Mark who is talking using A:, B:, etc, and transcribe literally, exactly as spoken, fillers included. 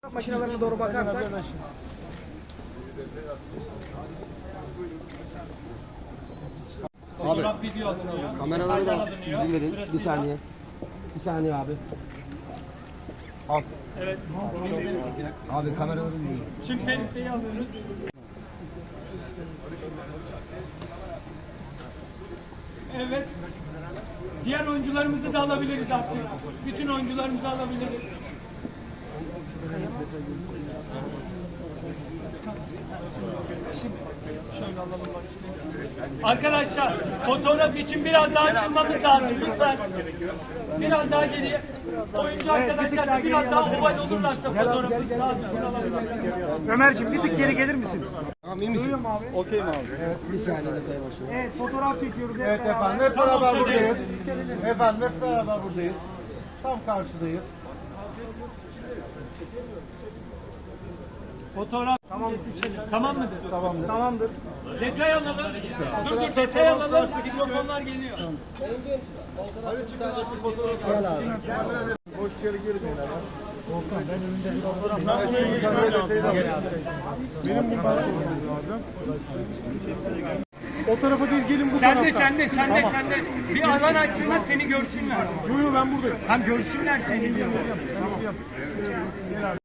A: Makinelerine doğru bakarsak
B: Abi kameraları da izin verin. Bir saniye. Bir saniye abi. Al.
C: Evet.
B: Abi kameraları izin verin.
C: Çünkü Ferit'teyi alıyoruz. Evet. Diğer oyuncularımızı da alabiliriz artık. Bütün oyuncularımızı alabiliriz. Şöyle alalım bak. Arkadaşlar fotoğraf için biraz daha açılmamız lazım lütfen. Biraz daha geriye. Oyuncu arkadaşlar da biraz daha oval olurlarsa fotoğrafı daha düzgün alabilirler.
A: Ömerciğim bir tık geri gelir misin?
B: Tamam iyi misin?
A: Duyuyor mu abi?
B: Okey mi abi? Evet bir saniye detaya başlayalım.
A: Evet fotoğraf çekiyoruz. Hep
D: Evet
A: beraber.
D: efendim hep
C: Tam
D: beraber
C: ortadayız.
D: buradayız. Efendim hep beraber buradayız. Tam karşıdayız.
C: Fotoğraf tamam, tamam mıdır?
D: Tamamdır.
A: Tamamdır.
C: Detay alalım. Dur dur detay alalım. Mikrofonlar geliyor.
D: Boş yere girmeyin hemen. Benim bu lazım. O tarafa değil gelin bu
C: Sen
D: tarafa.
C: de sen de sen de sen de bir alan açsınlar seni görsünler.
D: Yo yo ben buradayım.
C: Hem görsünler seni diyor.